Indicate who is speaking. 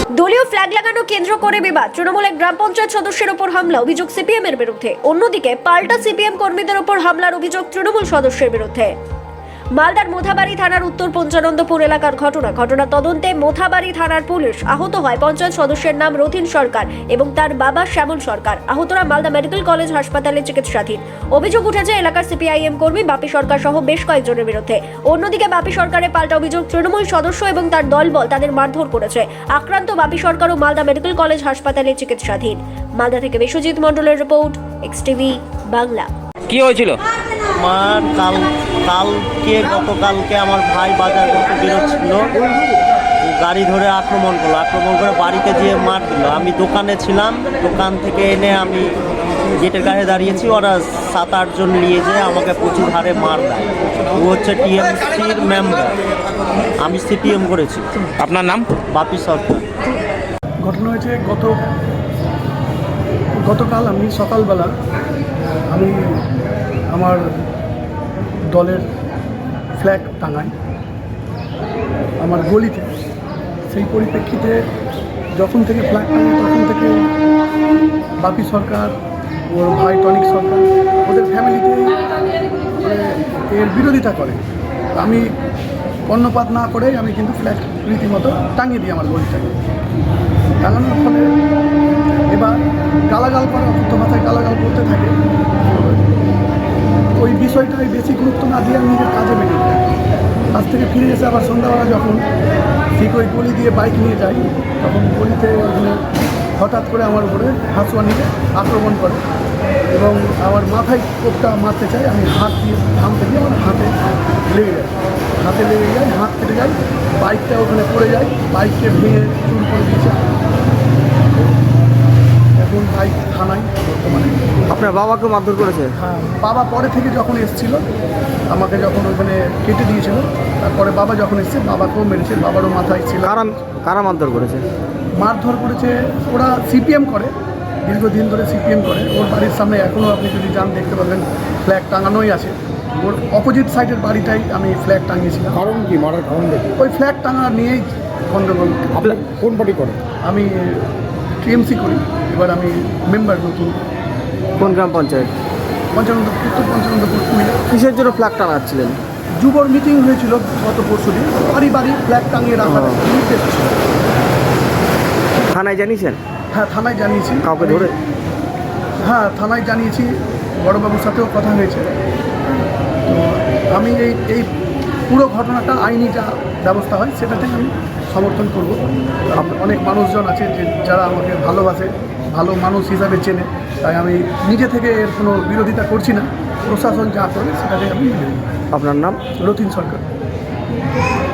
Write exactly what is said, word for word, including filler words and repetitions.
Speaker 1: দলীয় ফ্ল্যাগ লাগানো কেন্দ্র করে বিবাদ, তৃণমূলের গ্রাম পঞ্চায়েত সদস্যের ওপর হামলা, অভিযোগ সিপিএম এর বিরুদ্ধে। অন্যদিকে পাল্টা সিপিএম কর্মীদের ওপর হামলার অভিযোগ তৃণমূল সদস্যের বিরুদ্ধে। মালদার মোথাবাড়ি থানার উত্তর পঞ্চানন্দপুর এলাকার ঘটনা ঘটনা তদন্তে মোথাবাড়ি থানার পুলিশ। আহত হয় পঞ্চায়েত সদস্যের নাম রথিন সরকার এবং তার বাবা শ্যামল সরকার। আহতরা মালদা মেডিকেল কলেজ হাসপাতালে চিকিৎসাধীন। অভিযোগ উঠেছে এলাকার সিপিআইএম কর্মী বাপি সরকার সহ বেশ কয়েকজনের বিরুদ্ধে। অন্যদিকে বাপি সরকারের পাল্টা অভিযোগ তৃণমূল সদস্য এবং তার দলবল তাদের মারধর করেছে। আক্রান্ত বাপি সরকার ও মালদা মেডিকেল কলেজ হাসপাতালে চিকিৎসাধীন। মালদা থেকে বিশ্বজিৎ মণ্ডলের রিপোর্ট, এক্স টিভি বাংলা।
Speaker 2: কি হয়েছিল?
Speaker 3: আমার কাল কালকে গতকালকে আমার ভাই বাজার করতে বেরোচ্ছিল, গাড়ি ধরে আক্রমণ করলো। আক্রমণ করে বাড়িতে যেয়ে মার দিল। আমি দোকানে ছিলাম, দোকান থেকে এনে আমি গেটের কাছে দাঁড়িয়েছি, ওরা সাত আটজন নিয়ে যেয়ে আমাকে প্রচুর হারে মার দেয়। ও হচ্ছে টিএমসির মেম্বার, আমি সিপিএম করেছি।
Speaker 2: আপনার নাম?
Speaker 3: বাপি সরকার।
Speaker 4: ঘটনা হয়েছে গত গতকাল আমি সকালবেলা আমি আমার দলের ফ্ল্যাগ টাঙাই আমার গলিতে। সেই পরিপ্রেক্ষিতে যখন থেকে ফ্ল্যাগ টাঙাই তখন থেকে বাপি সরকার, ওর ভাই টনিক সরকার, ওদের ফ্যামিলিতে এর বিরোধিতা করে। আমি কর্ণপাত না করে আমি কিন্তু ফ্ল্যাগ রীতিমতো টাঙিয়ে দিই আমার গলিটাকে। টাঙানোর ফলে এবার গালাগাল করে, অশুদ্ধ ভাষায় গালাগাল করতে থাকে। ওই বিষয়টাই বেশি গুরুত্ব না দিয়ে আমি নিজের কাজে বেরিয়ে যাই। কাজ থেকে ফিরে এসে আবার সন্ধ্যাবেলা যখন ঠিক ওই গলি দিয়ে বাইক নিয়ে যাই, তখন গলিতে ওখানে হঠাৎ করে আমার উপরে হাঁসুয়া নিয়ে আক্রমণ করে এবং আমার মাথায় কোপটা মারতে চাই। আমি হাত দিয়ে থামতে গিয়ে আমার হাতে লেগে যায়, হাতে লেগে যায়, হাত কেটে যায়। বাইকটা ওখানে পড়ে যায়, বাইককে ভেঙে চুর করে দিয়েছে। এখন বাইক থানায় বর্তমানে।
Speaker 2: আপনার বাবাকে মারধর করেছে?
Speaker 4: হ্যাঁ, বাবা পরে থেকে যখন এসেছিল, আমাকে যখন ওখানে কেটে দিয়েছিল, তারপরে বাবা যখন এসছে বাবাকেও মেরেছে, বাবারও মাথায় ছিল।
Speaker 2: কারা কারা মারধর করেছে?
Speaker 4: মারধর করেছে ওরা সিপিএম করে, দীর্ঘদিন ধরে সিপিএম করে। ওর বাড়ির সামনে এখনও আপনি যদি যান দেখতে পাবেন ফ্ল্যাগ টাঙানোই আছে। ওর অপোজিট সাইডের বাড়িটাই আমি ফ্ল্যাগ টাঙিয়েছিলাম।
Speaker 5: কারণ কি মারার কারণ দেখি?
Speaker 4: ওই ফ্ল্যাগ টাঙা নিয়েই গণ্ডগোল।
Speaker 5: আপনার কোন পার্টি করে?
Speaker 4: আমি টিএমসি করি, এবার আমি মেম্বার নতুন।
Speaker 2: কোন গ্রাম পঞ্চায়েত?
Speaker 4: পঞ্চানন্দ উত্তর পঞ্চানন্দপুর কুমিল্লা।
Speaker 2: কিসের জন্য ফ্ল্যাগ টানাচ্ছিলেন?
Speaker 4: যুবর মিটিং হয়েছিল গত পরশু দিন, বাড়ি বাড়ি ফ্ল্যাগ টাঙিয়ে রাখার নির্দেশ ছিল।
Speaker 2: থানায় জানিয়েছেন?
Speaker 4: হ্যাঁ, থানায় জানিয়েছি।
Speaker 2: কাউকে ধরে?
Speaker 4: হ্যাঁ, থানায় জানিয়েছি, বড়বাবুর সাথেও কথা হয়েছে। তো আমি এই এই পুরো ঘটনাটা আইনি যা ব্যবস্থা হয় সেটাতে আমি সমর্থন করব। অনেক মানুষজন আছে যে যারা আমাকে ভালোবাসে, ভালো মানুষ হিসাবে চেনে, তাই আমি নিজে থেকে এর কোনো বিরোধিতা করছি না। প্রশাসন যা করবে সেটাকে আমি মেনে নিই।
Speaker 2: আপনার নাম?
Speaker 4: রথিন সরকার।